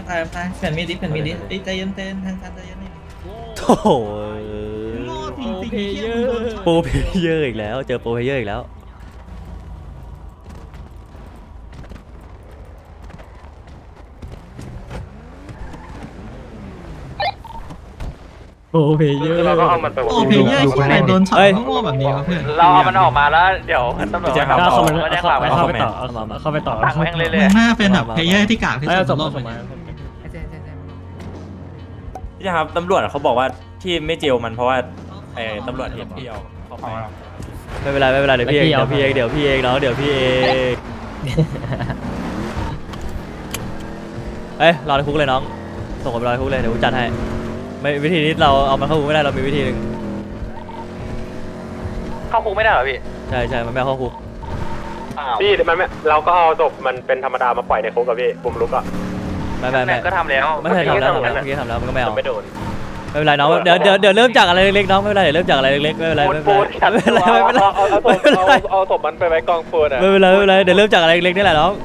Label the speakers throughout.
Speaker 1: ตายเปลี่ยนมีดดิใจเย็นทางการใจเย็นนี่
Speaker 2: โอ้โห
Speaker 1: โง่จริงๆเฮีย
Speaker 2: โปรเพลเยอร์อีกแล้วเจอโปรเพลเยอร์อีกแล้วโปรเพลเยอร์
Speaker 3: เราก็เอามันไป
Speaker 1: โอ้เพลเยอร์ที่ไหนโดนช็อตโง่แบบนี้วะเพื่อน
Speaker 3: เราเอามันออกมาแล้วเดี๋ยวตำรวจมาจับ
Speaker 2: เข้า
Speaker 3: เรา
Speaker 2: มา
Speaker 3: ก็จะข่าวไป
Speaker 2: เข้าไปต่อเข้าไปต่อ
Speaker 3: ตักแม่งเรื่
Speaker 1: มึ
Speaker 3: อย
Speaker 1: งน่าเป็นแบบเพลเยอร์ที่กากที่สุด
Speaker 2: ส่ง
Speaker 1: ในโล
Speaker 2: มาก ส่งมา
Speaker 4: พี่ครับตำรวจเขาบอกว่าที่ไม่เจลมันเพราะว่าตำรวจเห็นพี่เอาเข้าไป
Speaker 2: ไม่เป็นไรเดี๋ยวพี่เองน้องเดี๋ยวพี่เองเอ้ยรอในคุกเลยน้องส่งผมรอในคุกเลยเดี๋ยวกูจัดให้ไม่วิธีนี้เราเอามันเข้าคุกไม่ได้เรามีวิธีหนึ่ง
Speaker 3: ๆเข้าคุกไม่ได้เหรอพี่
Speaker 2: ใช่มันไม่เข้าคุก
Speaker 3: พี่มันไม่เราก็เอาศพมันเป็นธรรมดามาปล่อยในคุกกับพี่ปุ่มลุกอ่ะ
Speaker 2: ไม่
Speaker 3: ก็ทำแล้ว
Speaker 2: ไม่ใช่ทำแล้วเมื่อกี้ทำแล้วมันก็ไม่เอา
Speaker 3: ไม่โดน
Speaker 2: ไม่เป็นไรน้องเดี๋ยวเริ่มจากอะไรเล็กๆน้องไม่เป็นไรเดี๋ยวเริ่มจากอะไรเล็กๆไม่เป็นไร
Speaker 3: เอาศพมันไปไว้กองปูนอ่ะ
Speaker 2: ไม่เป็นไรเดี๋ยวเริ่มจากอะไรเล็กๆนี่แหละน้อง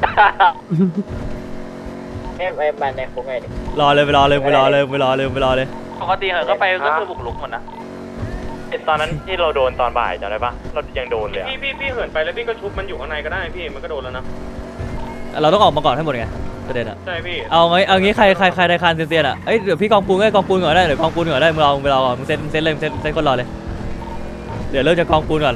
Speaker 5: ไอ้บ้านในคุกไงดิ
Speaker 2: รอเลยไปรอเลย
Speaker 3: ปกติเหอะก็ไปก็คือบุกลุกหมดนะตอนนั้นที่เราโดนตอนบ่ายจำได้ปะเรายังโดนเลยพี่เหินไปแล้วพี่ก็ชุบมันอยู่ข้างในก็ได้พี่มันก็โดนแล้วนะ
Speaker 2: เราต้องออกมาก่อนให้หมดไงประเด็นอะ
Speaker 3: ใช่พี่
Speaker 2: เอางี้ใครได้คานเซียนอะเอ้ยเดี๋ยวพี่กองปูนก่อนได้เดี๋ยวกองปูนก่อนได้มึงรอก่อนมึงเซ็ตเลยเซ็ตคนรอเลยเดี๋ยวเริ่มจากกองปูนก่อน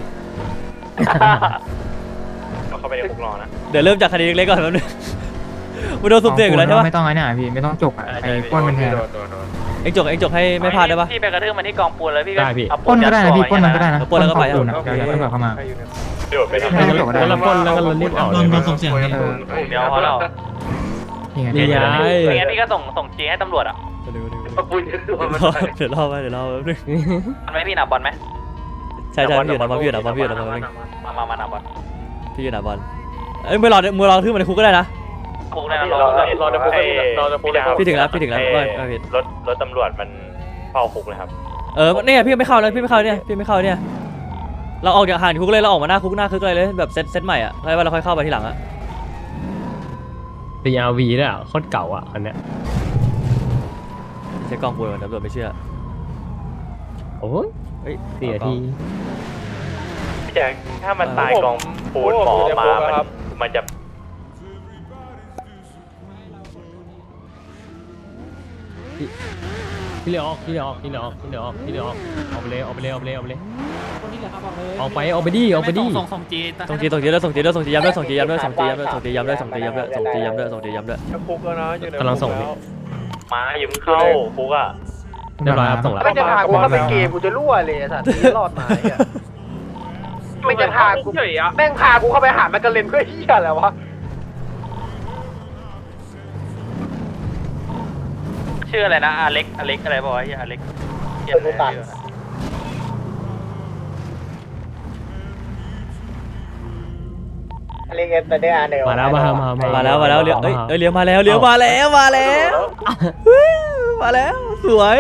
Speaker 3: เราเข้าไปในคุกรอนะ
Speaker 2: เดี๋ยวเริ่มจากคดีเล็กๆก่อนแป๊บนึงมึงโดนสุ่มเสี่ยงอยู่แล้วใช่ปะ
Speaker 6: ไม่ต้องไอ้เนี่ยพี่ไม่ต้องจกอ่ะไอ้ป้นเป็นแทน
Speaker 2: เอ็งจกให้ไม่พลาดได้ปะ
Speaker 3: พี่ไปกระทืบมันที่กองปูนแล้วพี่ก็
Speaker 6: ป้นก็ได้นะพี่ป้นมันก็ได้นะ
Speaker 2: ป้นแล้วก็ไป
Speaker 6: ปูนเดี๋ยวตำรวจเข้ามา
Speaker 3: โดดไปทำ
Speaker 6: ไม่ต้องจกก็ได้
Speaker 2: แล้วป้นแล้วก็รีบออก
Speaker 1: โดนส่งเสียงนี่
Speaker 3: เดี๋ยวเพราะเรา
Speaker 6: นี่ไง
Speaker 2: นี่ไง
Speaker 3: อย่างงั้นพี่ก็ส่งจีให้ตำรวจอ่ะ
Speaker 2: เดี๋ยวรอแป๊บนึง
Speaker 3: มันไม่พี่หนาบอลไหม
Speaker 2: ใช่พี่อยู่นะบอลพี่อยู่นะ
Speaker 3: มาหนาบอล
Speaker 2: พี่อยู่นะบอลเอ้ยมือรอทื่อมันในคุกก็ได้นะ
Speaker 3: คุกเลยนะรอจะคุก
Speaker 2: พี่ถึงแล้วว่าผิด
Speaker 3: รถตำรวจมันเฝ้าคุกเลยครับ
Speaker 2: เนี่ยพี่ไม่เข้าเนี่ยเราออกจากห่างคุกเลยเราออกมาหน้าคุกเลยแบบเซตใหม่อ่ะแล้วเราค่อยเข้าไปทีหลังอ่ะ
Speaker 7: CRV ด้วยอ่ะโคตรเก่าอ่ะอันเนี้ย
Speaker 2: ใช้กล้องปูนตำรวจไม่เชื่อ
Speaker 7: โอ้ย
Speaker 2: เฮ้ย
Speaker 7: 4 นาที
Speaker 3: พี่แจ๊คถ้ามันตายกองปูนหมอมามันจะ
Speaker 7: ที่เหลือออกออกไปเลยออกไปเลยออกไปดิ
Speaker 2: ส่งจีย้ำด้วย
Speaker 3: คุกแล้วนะอยู่ใน
Speaker 7: กำลังส่งพี่
Speaker 3: มาอย่าเพิ่งเข้าคุกอ่ะ
Speaker 7: เรียบร้อยครับส่งแล้ว
Speaker 5: ไม่จะพากูเข้าไปเกมกูจะรั่วเลยสัตว์นี้รอดมาอ่ะไม่จะพากูแม่งพากูเข้าไปหาแมกกาเลนเพื่อเหี้ยอะไรวะ
Speaker 3: ชื่ออะไรนะอเล็กอะไรบอกว่าอเล็ก
Speaker 5: อะไรเงี้ยแต่ได้อ่านเดี๋ยว
Speaker 7: มาแล้วเ
Speaker 2: เลี้ยวมาแล้วสวย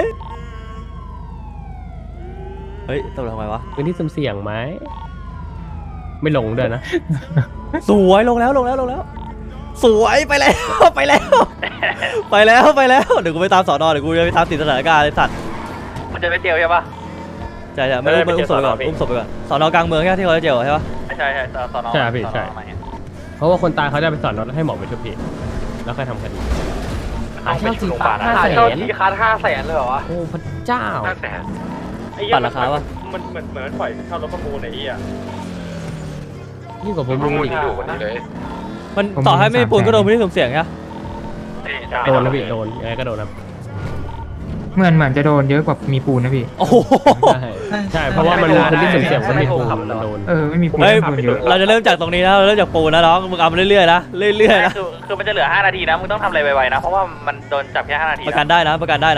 Speaker 2: เฮ้ยตำรวจทำไมวะ
Speaker 7: พื้นที่สุ่มเสี่ยงไหมไม่หลงด้วยนะ
Speaker 2: สวยลงแล้วสวยไปแล้วเดี๋ยวกูไปตามสอนอเดี๋ยวกูจะไปตามติดสถานการณ์ไอ้สัตว์
Speaker 3: มันจะไปเจียวใช่ปะ
Speaker 2: ใช่ไม่อุ้มศพไปก่อนสอนอกลางเมืองใช่ที่เขาจะเจอใช่ปะ
Speaker 3: ใช่สอนอ
Speaker 7: ใช่พี่ใช่เพราะว่าคนตายเขาจะไปสอนรถให้หมอไปชุบพี่แล้วค่อยทำคดี
Speaker 3: หาเช่าจีบาท
Speaker 5: หาเช่าทีคัส500,000เลยเหรอวะ
Speaker 7: โอ้พระเจ้า
Speaker 2: ปัดราคาปะ
Speaker 3: มันเหมือนปล่อยเช่ารถประมูลไอ้อ่ะ
Speaker 7: ยิ่งกว่าผมรู้อีก
Speaker 2: มันต่อให้ไม่มีปูนก็โดนพื้นที่สุ่มเสี่ยงใช่ปะ
Speaker 7: โดนนะพี่โดนยังไงก็โดนนะ
Speaker 6: เหมือนจะโดนเยอะกว่ามีปูนนะพี่
Speaker 2: โอ้โห
Speaker 7: ใช่เพราะว่ามันพื้นที่สุ่มเสี่ยงมันมีปูมันโดน
Speaker 6: ไม่มีปูน
Speaker 2: เฮ้ย
Speaker 6: ปูนเยอะ
Speaker 2: เราจะเริ่มจากตรงนี้นะเราเริ่มจากปูนนะน้องมึงเอามาเรื่อยๆนะนะ
Speaker 3: คือมันจะเหลือ5 นาทีนะมึงต้องทำอะไรไวๆนะเพราะว่ามันโดนจับแค่5 นาที
Speaker 2: ประกันได้นะ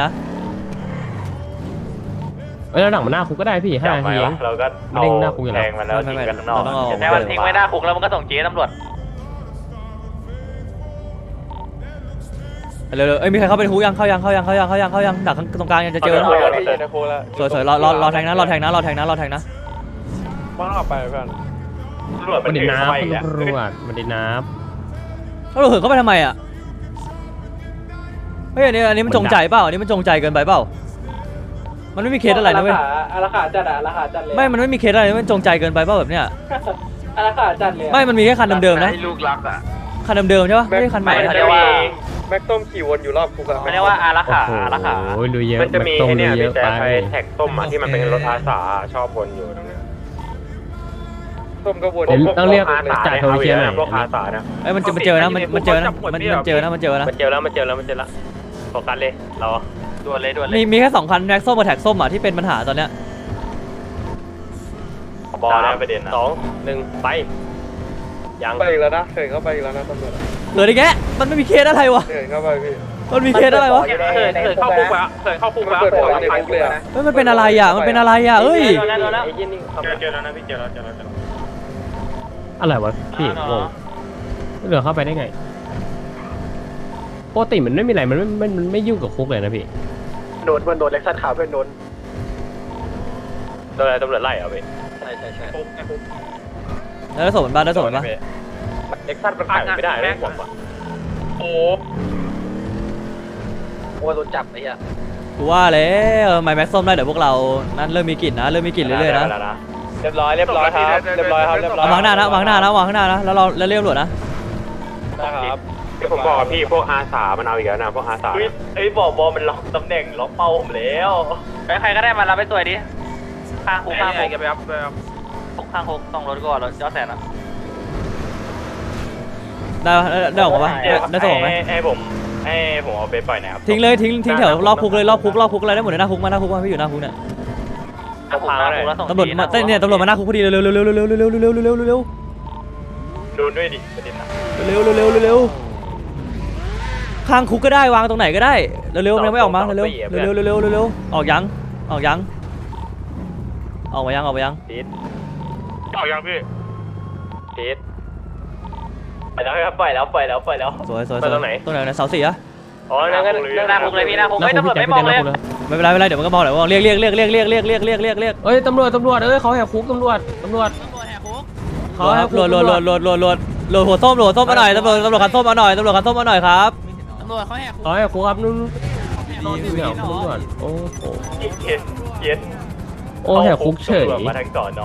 Speaker 7: แล้วหนังมันหน้าคุกก็ได้พี่5 นาทีเอง
Speaker 3: เราก็
Speaker 7: ไม่ได้หน้าคุกอยู่แล้ว
Speaker 3: แทงมันแล้วทิ้งกันข้างนอก
Speaker 2: เราต้องเอา
Speaker 3: แต่มันทิ้งไว้หน้าคุกแล้วมันก็ส่งจีให้ตำรวจ
Speaker 2: เร็วๆมีใครเข้าไปในคุกยังเข้ายังดักตรงกลางยังจะเจอนะสวยรอแทงนะ
Speaker 3: มันออกไปเพื่อนตำรวจ
Speaker 7: มันดินน้ำ
Speaker 3: มัน
Speaker 7: ตำรวจมันดินน้
Speaker 2: ตำรวจเหินเข้าไปทำไมอ่ะเฮ้ยอันนี้มันจงใจเปล่าอันนี้มันจงใจเกินไปเปล่ามันไม่มีเคสอะไรนะเว้ย
Speaker 5: อาราขาจัดอะอาราขาจัดเลย
Speaker 2: ไม่มันไม่มีเคสอะไรมันจงใจเกินไปเปล่าแบบเนี้ย
Speaker 5: อาราขาจัดเลย
Speaker 2: ไม่มันมีแค่คันเดิมๆนะ
Speaker 3: ลูกรักอ่ะ
Speaker 2: คันเดิมๆใช่ปะไม่ใช่คันใหม่
Speaker 3: เขาเรียกว่า
Speaker 5: แม็กต้มขี่วนอยู่รอบคุกอะ
Speaker 3: เขาเรียกว่าอาราขาอาราขา
Speaker 7: โอ้ยดูเยอะ
Speaker 3: มันจะมี
Speaker 7: ตรง
Speaker 3: ไอ้
Speaker 7: ดู
Speaker 3: เนี่ย
Speaker 7: เย
Speaker 3: พี่
Speaker 7: อะ
Speaker 3: แจ๊
Speaker 7: ไป
Speaker 3: คแท็กส้มอ่ะที่มันเป็นรถอาสาชอบวนอยู่ตรงเนี้ย
Speaker 5: ต้มก็วน
Speaker 7: เดี๋ยวต้องเรียก
Speaker 3: อาสา
Speaker 7: จ่าโทรเชียร์หน่อย
Speaker 3: พวกอาสาเนี่ย
Speaker 2: เอ้ยมันเจอนะมันเจอนะมันเจอนะมันเจอนะ
Speaker 3: มันเจอแล้วโฟกัสเลยเราด่วนเลย
Speaker 2: มีแค่2คันแท็กส้มกับแท็กส้มอ่ะที่เป็นปัญหาตอนเนี้ย
Speaker 3: บอลแล้วประเด็นนะ2-1ไปยัง
Speaker 5: ไปอีกแล้วนะเถินเข้าไปอีกแล้วนะตำรวจ
Speaker 2: เหลืออีกแกมันไม่มีเคสอะไรวะ
Speaker 5: เถินเข้าไปพี่
Speaker 2: มันมีเคสอะไรวะ
Speaker 3: เคยเข้าคุกแล้วเคยเข้าคุกแล้ว
Speaker 5: เปิดหัวในคุกเลยอะ
Speaker 2: เฮ้ยมันเป็นอะไรอ่ะมันเป็นอะไรอ่ะเอ้ย
Speaker 3: เจอแล้วนะพี่เจอแล้ว
Speaker 7: อะไรวะพี่งงเหลือเข้าไปได้ไงปกติมันไม่มีอะไรมันไม่ยุ่งกับคุกเลยนะพี่
Speaker 5: โดนเล็กซัสขาวเป็นโดน
Speaker 3: โดนอะไรตำรวจไล่เหรอพี่
Speaker 5: ใช่
Speaker 3: คุก
Speaker 2: แล้วส่งมันบ้านแล้วส่งมันบ้าน
Speaker 3: เอ็กซัสมันขายไม่ได้เลยผมอ่ะโอ้
Speaker 5: โดนจับไอ้เหี้ย
Speaker 2: กูว่าแล้วไมแม็กส้มได้เดี๋ยวพวกเรานั่นเริ่มมีกลิ่นนะเริ่มมีกลิ่นเรื่อยๆนะ
Speaker 3: เรียบร้อยครับ
Speaker 2: เอาวางหน้านะวางข้างหน้านะวางข้างหน้านะแล้วเราแล้วเรียกตำรวจนะ
Speaker 3: นะครับที่ผมบอกพี่พวกอาสามันเอาอีกแล้วนะพวกอาสาไอ้บอกบอมันล็อกตำแหน่งล็อกเป้าผมแล้วใครก็ได้มารับไปตัวดิข้างคุกข้างคุกไปครับข้างคุกต้องรถก่อนรถย้อนแสนนะ
Speaker 2: ได้ออกมาปะได้ส่งไหม
Speaker 3: ให้ผมเอาไปปล่อยนะครับ
Speaker 2: ทิ้งเลยทิ้งแถวรอบคุกเลยรอบคุกอะไรได้หมดเลยหน้าคุกมาพี่อยู่หน้าคุกเนี่ย ตำรวจมาเนี่ยตำรวจมาหน้าคุกพอดีเร็ว
Speaker 3: ดูด้วยดิประเด็นนะ
Speaker 2: ข้างคุกก็ได้วางตรงไหนก็ได้เร็วยังไม่ออกมาเร็วออกยังออกมายัง
Speaker 3: ติดเอายังพี่ติดไปแล้วครับปล่อยแล้ว
Speaker 2: สวย
Speaker 3: ตรงไหน
Speaker 2: เสาสี่อะ
Speaker 3: อ๋อนั่งหน้าคุกเลยพี่หน้าคุกเฮ้ยตำรวจไม่มองเลย
Speaker 2: ไม่เป็นไรเดี๋ยวมันก็มองเดี๋ยวเรียก
Speaker 7: เอ้ยตำรวจเอ้ยเขาแหกคุกตำรวจเขาแหกคุก
Speaker 2: โหลดหัวส้มมาหน่อยตำรวจคันส้มมาหน่อยครับ
Speaker 7: เขาแหกคุกครับนู่นเนี่ยตำรวจโอ้โห
Speaker 3: เย็น
Speaker 7: โอ้แหกคุกเฉย
Speaker 3: มาทางสอนอ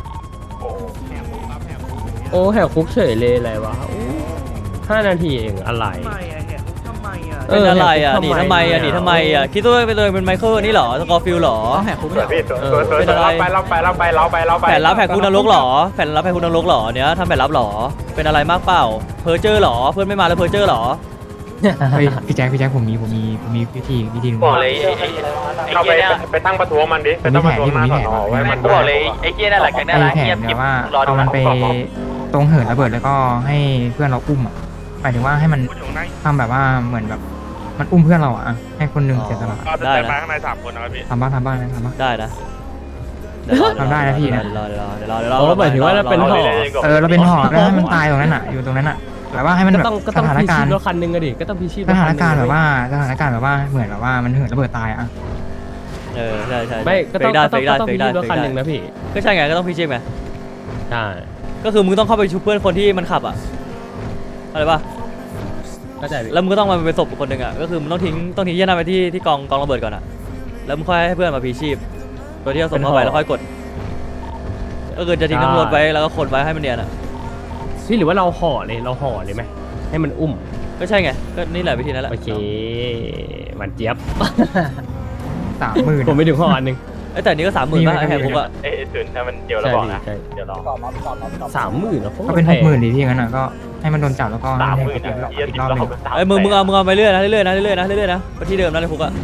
Speaker 7: โอ้แหกคุกเฉยเลยอะไรวะ5 นาทีเองอะไร
Speaker 2: เป็นอะไรอ่ะหนีทำไมอ่ะคิดว่าเป็นไมเคิลนี่หรอสกอร์ฟิลหรอ
Speaker 1: ต้องแหกคุกไม่
Speaker 3: พี่
Speaker 1: เหรอ
Speaker 3: เราไป
Speaker 2: แผนรับแผนคุณนรกหรอเนี้ยทำแผนรับหรอเป็นอะไรมากเปล่าเพอเจอหรอเพื่อนไม่มาแล้วเพอเจอหรอ
Speaker 6: เฮ้ยพี่แจ็คผมมีวิธีหนึ่ง
Speaker 3: บอกเลยเราไปตั้งประท้วงมันดิไปตั้งประท้วงหน้าสอนอไว้มันบอกเลยไอ้เกี้ยนั่นแหละกันนั่นแหละ
Speaker 6: แผนเนี่ยว่าเอามันไปตรงเหินระเบิดแล้วก็ให้เพื่อนเราอุ้มอ่ะหมายถึงว่าให้มันทำแบบว่าเหมือนแบบมันอุ้มเพื่อนเราอ่ะให้คนหนึ่งเสียสละ
Speaker 2: ได้นะ
Speaker 3: ข้างใน3 คนนะครับพี่
Speaker 6: ทำบ้างนะ
Speaker 2: ได้นะ
Speaker 6: ทำได้นะพี่นะ
Speaker 2: เดี๋ยวรอ
Speaker 7: โอ้หมายถึงว่าเราเป็นห่อ
Speaker 6: เราเป็นห่อแล้วให้มันตายตรงนั้นอ่ะอยู่ตรงนั้นอ่ะแบบว่าให้มันแบบ
Speaker 7: ก็
Speaker 6: ส
Speaker 7: ต้อง
Speaker 6: ถาน
Speaker 7: พิ
Speaker 6: กา
Speaker 7: ชิ
Speaker 6: ร
Speaker 7: ต
Speaker 6: ณ์
Speaker 7: รถคันหนึ่งอะดิก็ต้องพิชิต
Speaker 6: สถานการณ์แบบว่าเหมือนแบบว่ามันเหินระเบิดตายอ่ะ
Speaker 2: ใช่
Speaker 7: ไม่ก็ต้อง
Speaker 2: ได้
Speaker 7: พิชิตรถคันหนึ่งนะพี่
Speaker 2: ก็ใช่ไงก็ต้องพิชิตไง
Speaker 7: ใช่
Speaker 2: ก็คือมึงต้องเข้าไปชุบเพื่อนคนที่มันขับอ่ะอะไรป่ะ
Speaker 7: เข้าใจพี่
Speaker 2: แล้วมึงก็ต้องมาเป็นศพคนหนึ่งอ่ะก็คือมึงต้องทิ้งยี่หน้าไปที่กองระเบิดก่อนอ่ะแล้วมึงค่อยให้เพื่อนมาพีชีพโดยที่เอาศพเข้าไปแล้วค่อยกดก็คือจะทิ้งทั้งรถไว้แล้วก็ขนไว้ให้มันเนียนอ่ะ
Speaker 7: พี่หรือว่าเราห่อเลยไหมให้มันอุ้ม
Speaker 2: ก็ใช่ไงก็นี่แหละวิธีนั้นแหละ
Speaker 7: โอเคมันเจี๊ยบ
Speaker 6: 30,000
Speaker 7: ผมไม่ถึงห่ออันหนึ่ง
Speaker 2: แต่นี้ก็30,000ป่ะไอ้แหกคุกอ่ะ
Speaker 3: ถึงถ้ามันเดียวแล้วบอกนะเดี๋ยวรอ
Speaker 7: 30,000นะ
Speaker 6: ก็เป็น60,000ดีพี่งั้นอ่ะก็ให้มันโดนจับแล้วก็ให้มัน
Speaker 3: 30,000
Speaker 6: อีกรอบนึง
Speaker 2: ไอ้มึงเอาไปเรื่อยนะไปที่เดิมนะในคุกอ่ะ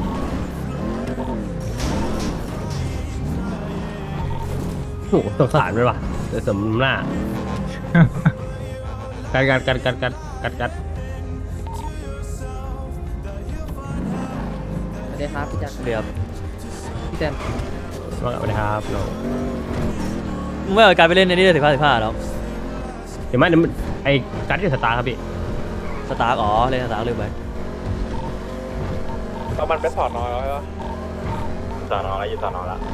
Speaker 7: โอ้โหสงสารไปว่ะแต่สมหน้ากัด
Speaker 5: สวัสดีครับพี่แจ็ค
Speaker 2: เรียบ
Speaker 5: พี่แจน
Speaker 7: ว่ากันไปครับน้อง
Speaker 2: มึงไม่เอาการไปเล่นในนี่เลย15แล้ว
Speaker 7: เดี๋ยวมันไอ้กัดที่สตาร์ครับพี่
Speaker 2: สตาร์เล่นสตาร์ลืมไป
Speaker 3: แล้วมันไปสอนอแล้วใช่ปะสอนอแล้วอยู่สอนอแล้ว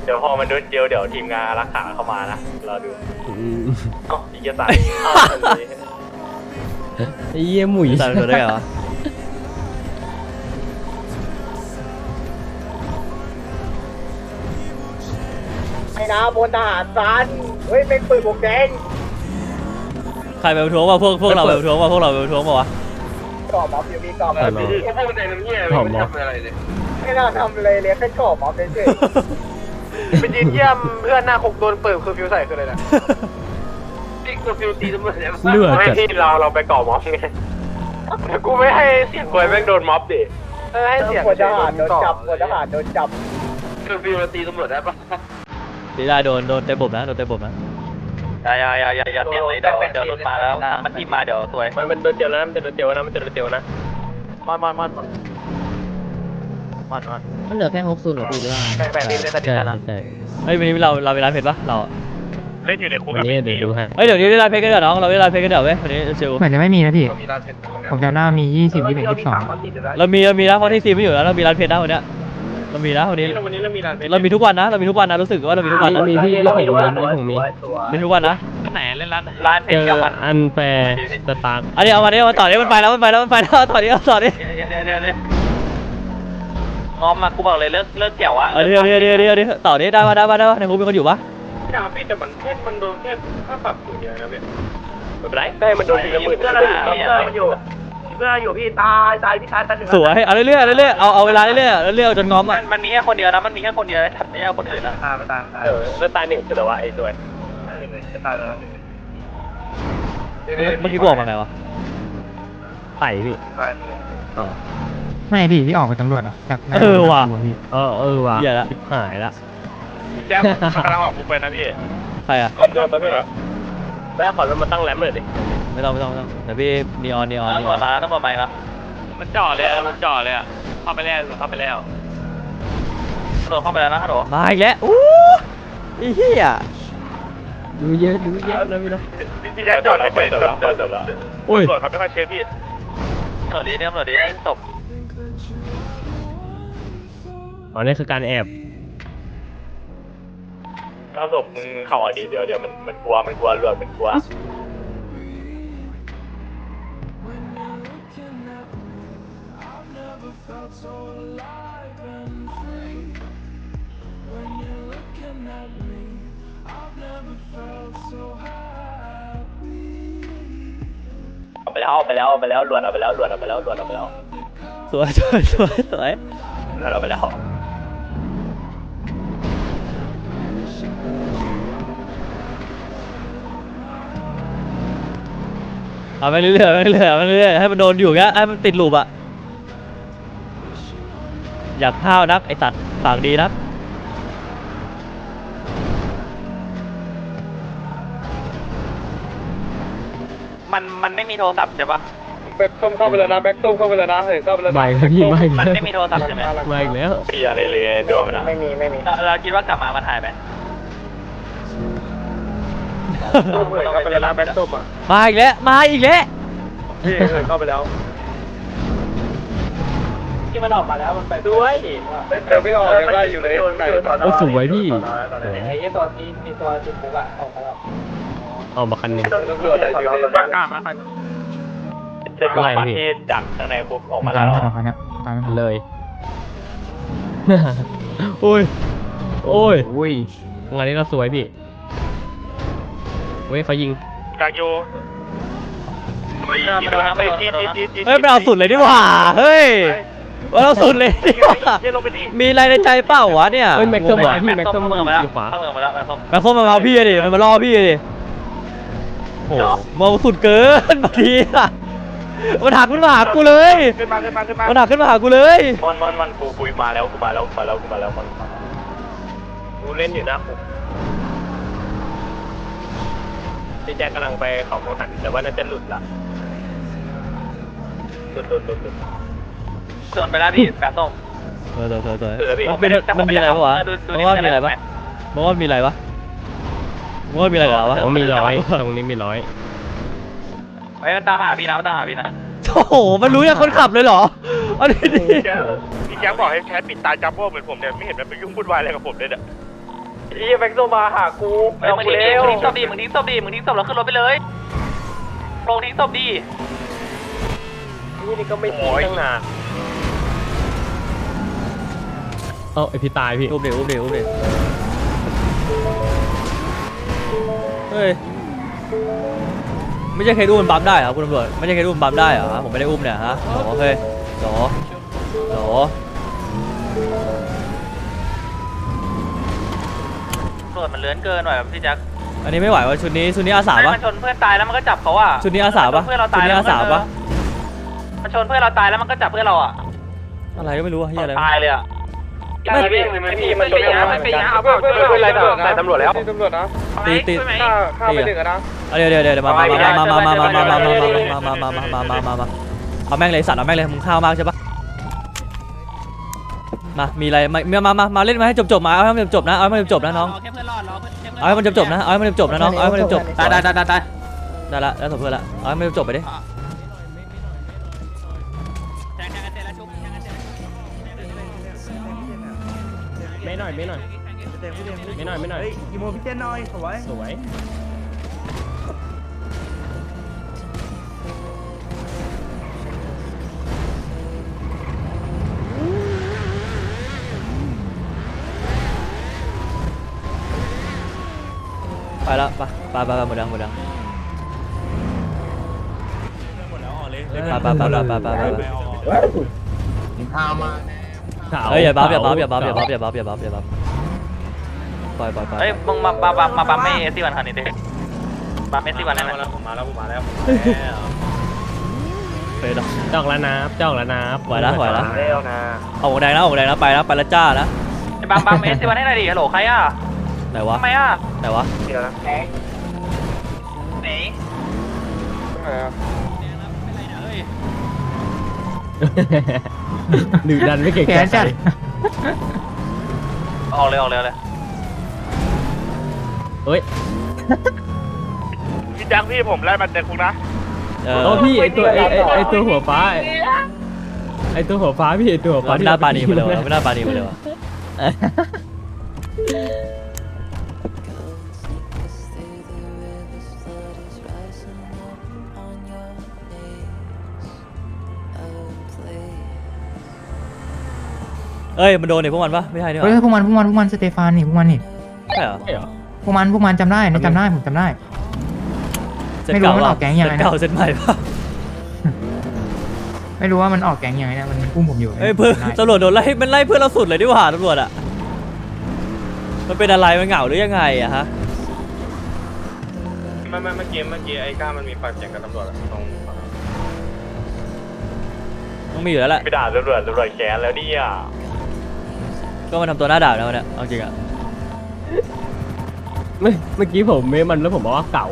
Speaker 3: เดี๋ยวพอมันโดนเจลเดี๋ยวทีมงานรักษาเข้ามานะเราดู
Speaker 7: อืม
Speaker 3: เอ้าอีกจะตาย
Speaker 7: ไอ้เหี้ยหมุย
Speaker 2: ตามตัวได้เหรอ
Speaker 5: ไอ้นาบนทหารซันเฮ้ยเป็นปืนบวกแดง
Speaker 2: ใครไปประท้วงวะพวกเราไปประท้วงวะพวกเราไปประท้วงวะ
Speaker 5: ก่อม็อบอยู่มีก่อม็อบ
Speaker 3: พี่พวกมันในน้ำเงี้ยไม่ทำอะไรเลย
Speaker 5: ไม่น่าทำเลยแค่ก่อม็อบเฉยๆไปยืนเยี่ยมเพื่อนหน้าคุกโดนเปิดคือฟิวใส่คืออะไรนะ
Speaker 3: นี่คือฟิวตีตำรวจเนี่ย
Speaker 7: เลือด
Speaker 3: ไม่
Speaker 7: จัด
Speaker 3: ที่เราไปก่อม็อบไงแต่กูไม่ให้เสียงควยแม่งโดนม็อบดิ
Speaker 5: ให้เสียงหัวทหารโดนจับหัวทหารโดนจับ
Speaker 3: คือฟิวตีตำรวจได้ปะ
Speaker 2: ตีได้โดนเตะบบนะโดนเตะบบนะ
Speaker 3: อย่าเสียงเลยเดี๋ยวรถมาแล้วมันที่มาเดี๋ยวสวยมันโดนเจียวแล้วมันจะโดนเจียวนะมันจะโดนเจียวนะมัน
Speaker 8: มันเหลือแค่60หรอพี่หรือว่า
Speaker 3: แปดทีมได้ตัด
Speaker 7: ใช่
Speaker 3: นะ
Speaker 7: ใช่
Speaker 2: เฮ้ยวันนี้เรามีร้านเพชรปะเรา
Speaker 3: เล่นอยู่ในคุก
Speaker 7: วันนี้เดี๋ยวดูให้
Speaker 2: เฮ้ยเดี๋ยวนี้ได้ร้านเพชรกันเดี๋ยวน้องเราได้ร้านเพชรกันเดี๋ยวเว้ยวันนี้ชิว
Speaker 6: เหมือนจะไม่มีนะพี่
Speaker 3: มีร้านเพชร
Speaker 6: ผมจำได้ว่ามี20 21 22
Speaker 2: เรามีนะเพราะที่ซีไม่อยู่แล้วเรามีร้านเพชรนะวันเนี้ยเรามีนะวันนี้
Speaker 3: วันนี้เรามีร้านเพชร
Speaker 2: เรามีทุกวันนะเรามีทุกวันนะรู้สึกว่าเรามีทุกวันนะ
Speaker 7: มีพี่ผมมี
Speaker 2: มีทุกวันนะ
Speaker 3: ไหนเล่นร้านเพ
Speaker 7: เจ
Speaker 3: ชร
Speaker 7: อ
Speaker 3: กับมัน
Speaker 7: อันแฟร์สตาร์
Speaker 2: อันนี้เอามาเนี่ยมาต่อเนี่ยมันไปแล้วต่อนี้ต่อนี้
Speaker 3: เดี๋ยวงอมมากูบอกเลยเลิกเกี่ยวอะ
Speaker 2: เดี๋ยวต่อนี้ได้ปะในคุกมีคนอยู่ปะ
Speaker 3: พี่แต่มันโดนแค่ค่าปรับอยู่เดียวนะพี่ไม่เป็นไรได้มันโดนทีละหมื่นเพื่อนมันอยู่พี่ตายพี่ตาย
Speaker 2: สวยเอาเรื่อยเอาเวลาเรื่อยจนง้อมอ่ะ
Speaker 3: มันมีแค่คนเดียวนะมันมีแค่คนเดียวทับไม่ใช่คนอื่นนะตายแล้วตายหนึ่งแต่ว่าไอ้สวยตายแล้ว
Speaker 2: เมื่อกี้กูออกมาไงวะ
Speaker 7: ไต่พี่
Speaker 6: ไม่พี่ที่ออกเป็นตำรวจเหรอจากหน้า
Speaker 2: ว่ะ
Speaker 6: พี่
Speaker 7: เออว่ะ
Speaker 2: เหี้ยละ
Speaker 7: ชิบหายละ
Speaker 3: แจ๊บกำลังออกกูไปนะพี่
Speaker 2: ใครอ่ะ
Speaker 3: เดินไปไม่เหรอแม่ขอรถมาตั้งแรมเลยดิ
Speaker 2: ไม่ต้องเดี๋ยวพี่นีออน
Speaker 3: ต้องบอกมาครับมันจ่อเลยอ่ะเข้าไปแล้วโดนเข้าไปแล้วนะฮัลโหล
Speaker 2: มาอีกแล้วอู้ไอ้เหี้ย
Speaker 7: ดูเยอะนะพี่นะ
Speaker 3: พี่แจ๊บจอดไปจบแล้ว
Speaker 7: โอ้ย
Speaker 3: ตำรวจเขาไม่ค่อยเช็คพี่ตำรวจดีจบ
Speaker 7: อ๋อนี่คือการแอบ
Speaker 3: ถ้าศพมึงเข่าอดีเดี๋ยวมันกลัวเลือดมันกลัว เอาไปแล้วหลวนเอาไปแล้ว
Speaker 2: สวย
Speaker 3: หลวนเอาไปแล้ว
Speaker 2: เอาไปเรื่อยให้มันโดนอยู่เงี้ยให้มันติดลูปอ่ะอยากห้าวนักไอสัตว์ปากดีนัก
Speaker 3: มันไม่มีโทรศัพท์ใช่ปะ
Speaker 5: แบ็คส้มเข้าไปแล้วนะแบ็คส้มเข้าไปแล้วนะเฮ้ยเข้าไปแล้ว
Speaker 7: ไม่ครับพี่ไม่
Speaker 3: มันไม่มีโทรศัพท์ใช่ไหม
Speaker 7: มาอีกแล้ว
Speaker 3: พี่อะไรเลยโดนมัน
Speaker 5: ไม่มี
Speaker 3: เราคิดว่ากลับมาถ่ายไหม
Speaker 5: เข้าไปแล้วนะแบ็คส้มอ่ะ
Speaker 2: มาอีกแล้ว
Speaker 5: พี่เข้าไปแล้ว
Speaker 3: ที่มันออกมาแล้วมันไปด้วย
Speaker 5: เดี๋ยวพี่ออกยังได้อยู่เลย
Speaker 7: โอ้สวยพี่
Speaker 3: ไอ้ตัวที่มีตัวจุดปุ๊กอะออกมาแล้ว
Speaker 7: เอามาคันหนึง
Speaker 5: ตำรวจอยู่ในบ้านกล้ามา
Speaker 3: เจ็บประเทศจากข้างในคุกออกมา
Speaker 6: ตา
Speaker 3: แล้
Speaker 6: ม
Speaker 3: ว
Speaker 6: ไม่ทันเขาเนี่ยตามไม่ทัน
Speaker 7: เลย โอ้ยงานนี้เราสวยพี่เว้ยเขายิง
Speaker 3: กากโย
Speaker 2: เฮ้ยมันเอาสุดเลยดีกว่าเฮ้ยว่าเราสุดเลยดีกว่ามีอะไรในใจเปล่าวะเนี่ย
Speaker 7: เอ้ยแม็กซ์ส้ม
Speaker 2: งง
Speaker 7: ว่ะ
Speaker 2: อะ
Speaker 7: พี่แม็กซ์ส้ม
Speaker 3: เมืองมาแล้ว
Speaker 7: อยู่ขวา
Speaker 3: เมืองมาแล้วแม็กซ์ส้ม
Speaker 2: แม่งโคตรมาเอาพี่ดิมันมาล่อพี่ดิโอ้โหมองสุดเกินบางทีอะมันหักขึ้นมาหากูเลย
Speaker 3: ขึ้นมา
Speaker 2: มันหักขึ้นมาหากูเลย
Speaker 3: มันกูมาแล้วมันกูเล่นอยู่นะคุกพี่แจ็คกำลังไปเขาโมหันแต่ว่าน่าจะหลุดละหลุดส่วนไปแล้วพี่แปดส้ม
Speaker 2: เออมันมีอะไรปะวะมันว่ามีอะไรปะมันว่ามีอะไรปะมันว่ามีอะไรกับเราวะ
Speaker 7: ผมมีร้อยตรงนี้มีร้อย
Speaker 3: ไว้มันตามหาพี่นะ
Speaker 2: โอ้โหมันรู้ยังคนขับเลยเหรออันนี้ดิ
Speaker 3: พี่แจ็คบอกให้แคทปิดตาจัมโบ้เหมือนผมเนี่ยไม่เห็นมันไปยุ่งวุ่นวายอะไรกับผมเลยเนี่ย
Speaker 5: อีแม็กโซมาหากู
Speaker 3: มึงทิ้งศพดิมึงทิ้งศพแล้วขึ้นรถไปเลยลงทิ้งศพดิ
Speaker 5: นี่ก็ไม่ทิ้งตั้งนาน
Speaker 7: ไอพี่ตายพี่
Speaker 2: อุ้มดิเฮ้ยไม่ใช่เคสอุ้มมันบัมได้เหรอคุณตำรวจไม่ใช่เคสอุ้มบัมได้เหรอผมไม่ได้อุ้มเนี่ยฮะโอเคโห
Speaker 3: ตำรวจมันเลื้อนเกินหน่อยพี่แจ็ค
Speaker 2: อันนี้ไม่ไหวว่ะชุดนี้อาสาปะ
Speaker 3: มันชนเพื่อนตายแล้วมันก็จับเขาอ่ะ
Speaker 2: ชุดนี้อาสาปะ
Speaker 3: เพื่อนเรา
Speaker 2: ชุ
Speaker 3: ตา
Speaker 2: ด
Speaker 3: ย
Speaker 2: นี้อาสาปะ
Speaker 3: มันชนเพื่อนเราตายแล้วมันก็จับเพื่อนเราอ่ะ
Speaker 2: อะไรก็ไม่รู้อะเฮียอะไร
Speaker 3: ตายเลยอ่ะ
Speaker 5: ไม่พี่มันชนไม่เป็นยาเอาเพื่อนอะไรแต่ตำรวจแล้วตำรวจนะ
Speaker 2: ตี
Speaker 5: ข้าไปถึงนะ
Speaker 2: เดี๋ยวมาเอาแม่งเลยสัตว์เอาแม่งเลยมึงข้าวมากใช่ปะมามีอะไรมาเล่นมาให้จบมาเอาให้มันจบนะเอาให้มันจบนะน้องเอาให้มันจบนะเอาให้มันจบนะน้องเอาให้มันจบได้ละแล้วสมเพื่อนละเอาให้มันจบไปดิ
Speaker 7: ไม่หน่อย
Speaker 5: อีโมพี่เจนหน่อยสวย
Speaker 2: ไปแล้วไปหมดยังไปเฮ้ยอย่าบัฟปล่อย
Speaker 3: เฮ้ยมึงมาปั๊มไม่เอสซี่วันคันนี้ดิปั๊มเอสซี่วันได้ไหม
Speaker 4: ผมมาแล้ว
Speaker 2: เฮ้ย
Speaker 7: จอกแล้วนะ
Speaker 2: ไหวแล้ว
Speaker 5: เร็วนะ
Speaker 2: เอาหัวแดงนะไปแล้วจ้านะ
Speaker 3: ปั๊มเอสซี่วันให้หน่อยดิฮัลโหลใครอ่ะ
Speaker 2: ไหนวะ
Speaker 3: ทำไมอ่ะ
Speaker 5: เดี๋ยวนะ
Speaker 3: ไหน
Speaker 7: ดื้อดันไม่เก่ง
Speaker 6: แขนจัด
Speaker 3: ออกเลย
Speaker 7: เฮ้ย
Speaker 5: พี่จังพี่ผมไล่มาเด็กคุณนะ
Speaker 7: พี่ไอตัวหัวฟ้าไอตัวหัวฟ้าพี่ไอตัวหัวฟ้า
Speaker 2: ไม่น่าปานีมาเลยวะ เอ้ยมันโดนเนี่ยพวกมันปะไม่ใช่นี่ห
Speaker 6: เฮ้ย
Speaker 2: ว่า
Speaker 6: พวกมันสเตฟานนี่พวกมัน
Speaker 2: ใช่เหรอ
Speaker 6: พวกมันจำได้ผมจำได้
Speaker 2: เซ็ต
Speaker 6: ไม่รู้
Speaker 2: เก่า
Speaker 6: มัน
Speaker 2: ปะ
Speaker 6: ออกแก๊งยังไงนะ
Speaker 2: เซ็ตเก่าเซ็ตใหม่ปะ
Speaker 6: ไม่รู้ว่ามันออกแก๊งยังไงนะมันอุ้มผมอยู่
Speaker 2: เฮ้ยเพื่อนตำรวจโดนไล่มันไล่เพื่อนเราสุดเลยดิว่าตำรวจอะมันเป็นอะไรมันเหงาหรือยังไงอะฮะ
Speaker 4: เมื่อกี้ไอ้ก้ามันมีปากเสียงกับตำรวจตรง
Speaker 2: ต้องมีอยู่แล้วแหละ
Speaker 4: ไปด่าตำรวจแกนแล้วเนี่ย
Speaker 2: ก็มาทำตัวหน้าด่าแล้วเนี่ยเอาจริงอะ
Speaker 7: เมื่อกี้ผมเมมันแล้วผมบอกว่าเก๋า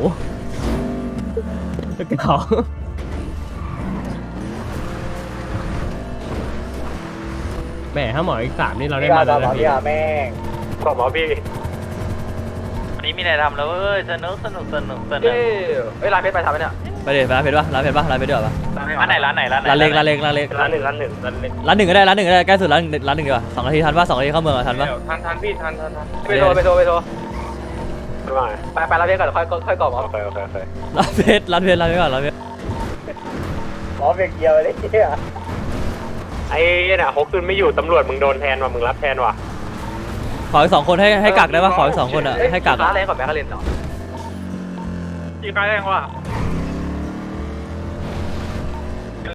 Speaker 7: แหมถ้าหมออีก3นี่เราได้มาแล้วนะพี่
Speaker 4: บอกหมอพี่
Speaker 3: วันนี้มีอะไรทำแล้วเว้ยสนุก
Speaker 5: เฮ้ยร้านเพชรไปทำไหมเนี่ย
Speaker 2: ไปดิร้านเพชรปะร้านเพชรด้วยปะ
Speaker 3: ร้านไหน
Speaker 2: ร้านเล็ก
Speaker 4: ร้านหนึ่ง
Speaker 2: ก็ได้ใกล้สุดร้านหนึ่งดีกว่า2 นาทีทันปะ2 นาทีเข้าเมืองทันปะ
Speaker 4: ทันพี่ทัน
Speaker 5: ไปโทร
Speaker 4: ไม่ไหว
Speaker 5: ไปร้านเพชรก่อนค่อยกรอบ
Speaker 4: โอเค
Speaker 2: ร้านเพชรก่อนร้านเพชร
Speaker 5: หมอเบรกเกียวเลยเนี่ย
Speaker 4: ไอ้เนี่ยฮกซุนไม่อยู่ตำรวจมึงโดนแทนว่ะมึงรับแทนว่ะ
Speaker 2: ขออีก2 คนให้กักได้ปะขออีก2 คนอะให้กัก
Speaker 5: ร้า
Speaker 2: อะ
Speaker 5: นแรงกว่าแบงค์คารินเหรอ
Speaker 3: กี่ใครแรงวะ